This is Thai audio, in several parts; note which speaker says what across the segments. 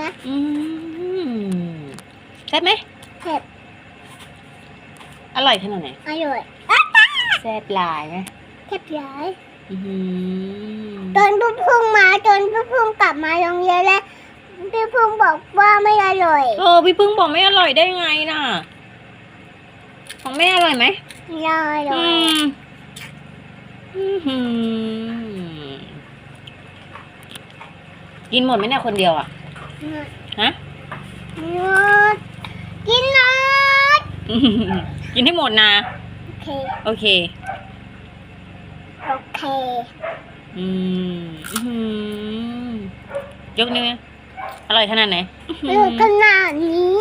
Speaker 1: นะ
Speaker 2: แซ่บไหม
Speaker 1: เผ็ด
Speaker 2: อร่อยขนาดไหน
Speaker 1: อร่อย
Speaker 2: แซ่บหลายไหม
Speaker 1: เผ็ดหลาย
Speaker 2: ต
Speaker 1: อนพี่พึ่งมาจนพี่พึ่งกลับมาโรงเรียนแล้วพี่พึ่งบอกว่าไม่อร่อย
Speaker 2: พี่พึ่งบอกไม่อร่อยได้ไงน่ะของแม่อร่อยไหม
Speaker 1: อร่อย
Speaker 2: กินหมดไหมเนี่ยคนเดียวอ่ะฮะ
Speaker 1: หมดกินหมด
Speaker 2: กินให้หมดนะ
Speaker 1: โอเค
Speaker 2: ยกนิ้วอร่อยขนาดไหน
Speaker 1: ขนาดนี้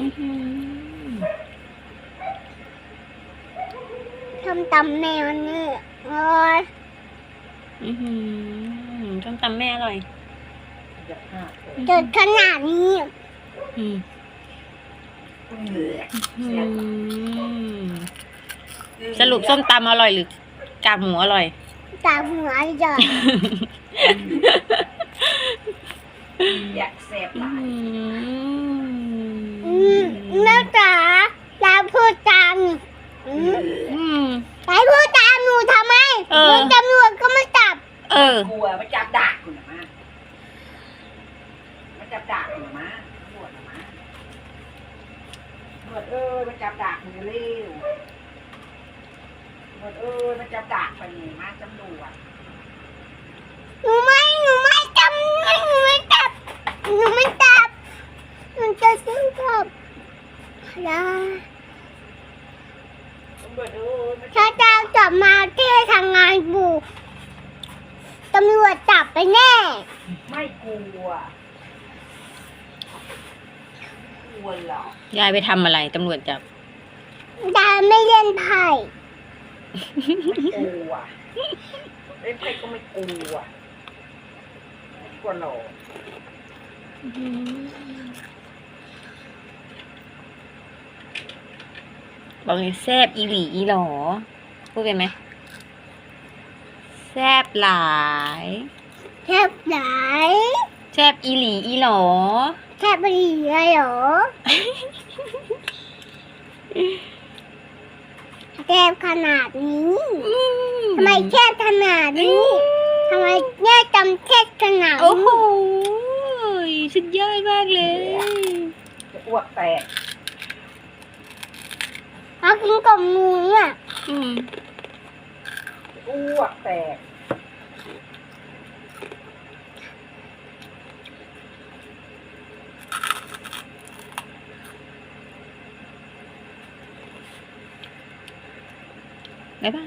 Speaker 1: ทำตำแมวนี่อร่อย
Speaker 2: ทำตำแม่อร่อย
Speaker 1: เกิดขนาดนี้
Speaker 2: สรุปส้มตำอร่อยหรือกากหมูอร่อย
Speaker 1: กากหมูอร่อย
Speaker 3: อยากแซ่บหลาย
Speaker 1: แม่จ๋าลาพูดจามไปพูดจามหนูทำไมตำรวจก็ไม่จับ
Speaker 3: กลัวมาจับดักคุณนะมาจับดักคุณนะตำรวจนะตำรวจมาจับดักคุณเร็วตำรวจมาจับดักไปนี่มาตำรวจ
Speaker 1: หนูไม่จับหนูจะซื้อกับถ้าเจ้าจับมาที่ทำงานบุกตำรวจจับไปแน่
Speaker 3: ไม่กลัวหรอก
Speaker 2: ยายไปทำอะไรตำรวจจับ
Speaker 1: ยายไม่เล่นไพ่
Speaker 3: กลัวเล่นไพ่ก็ไม่กลัวหรอก
Speaker 2: บอกเลยแซ่บอีหลีอีหลอพูดเป็นไหมแซ่บหลาย
Speaker 1: แซ่บ
Speaker 2: อีหลีอีหลอ
Speaker 1: แซ่บอีหลีเหรอแซ่บขนาดนี้ทำไมแซ่บขนาดนี้ทำไมแม่จำแซ่บขนาดนี้
Speaker 2: โอ้โหสุดยอดมากเลย
Speaker 3: จะอ้วกแตก
Speaker 1: เอากินกับหมูเนี่ย
Speaker 3: อ้วกแตก
Speaker 2: บ๊ายบาย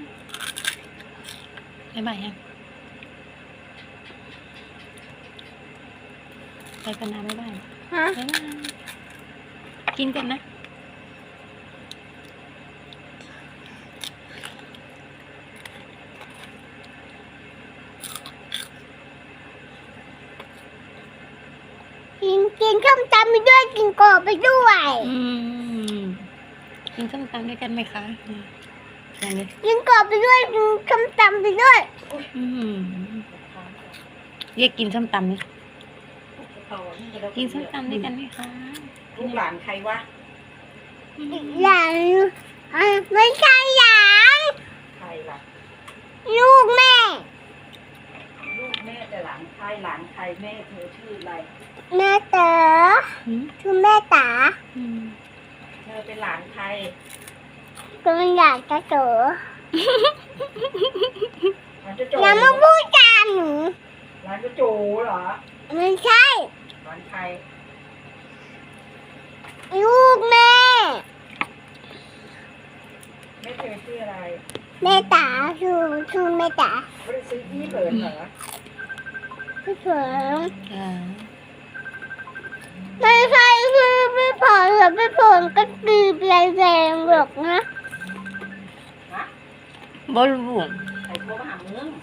Speaker 2: ยังไปกันนะบ๊ายบายกินกันนะ
Speaker 1: กินส้มตำไปด้วยกินกบไปด้วย
Speaker 2: กินส้มตำด้วยกันไหมคะ
Speaker 1: กินกบไปด้วยกินส้มตำไปด้วย
Speaker 2: เรียกกินส้มตำไหมกินส้มตำด้วยกันไหมคะ
Speaker 3: ลูกหลานใครวะ
Speaker 1: หลานไม่ใช่หลาน
Speaker 3: ใครล่ะ
Speaker 1: ลูกแม่
Speaker 3: แต่หลานใครแม่เธอชื่ออะไร
Speaker 1: แม่เต๋อชื่อแม่ต๋า
Speaker 3: เธอเป็นหลานใคร
Speaker 1: ก็เป็นหลานเต๋อ
Speaker 3: อย่า
Speaker 1: มาพูดจาหนู
Speaker 3: หลานกระโจเหรอ
Speaker 1: ไม่ใช่
Speaker 3: หลานใคร
Speaker 1: ลูกแม่
Speaker 3: เธอชื่ออะไร
Speaker 1: แม่ต๋าชื่อแม่ต๋า
Speaker 3: ไม่ได้ซื้อที่เปิดเหรอ
Speaker 1: พี่เผิงไม่ใช่คือพี่เผิงหรือพี่เผิงก็ตีแรงๆหรอกนะ
Speaker 2: บอลลูน
Speaker 3: ใครโทรมาหามึง